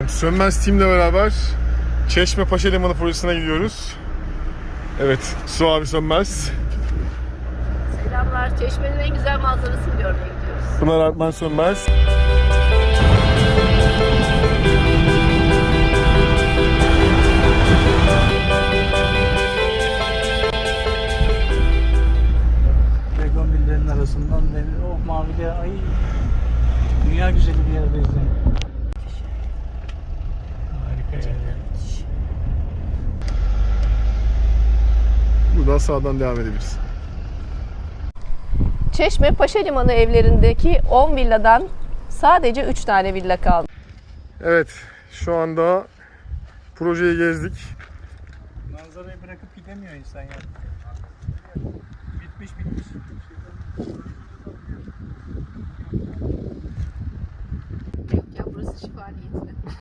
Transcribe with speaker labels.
Speaker 1: Sönmez Team'le beraber Çeşme Paşa Limanı projesine gidiyoruz. Evet, Su abi Sönmez.
Speaker 2: Selamlar. Çeşme'nin en güzel manzarasını görmeye gidiyoruz.
Speaker 1: Pınar Artman Sönmez.
Speaker 3: Begonville'lerin arasından deniz. Oh maviliğe, ay. Dünya güzeli bir yerdeyiz yani. Harika yani.
Speaker 1: Buradan sağdan devam edebiliriz.
Speaker 2: Çeşme Paşa Limanı evlerindeki 10 villadan sadece 3 tane villa kaldı.
Speaker 1: Evet, şu anda projeyi gezdik.
Speaker 3: Manzarayı bırakıp gidemiyor insan ya. Bitmiş.
Speaker 2: Ya burası şifa niyetine.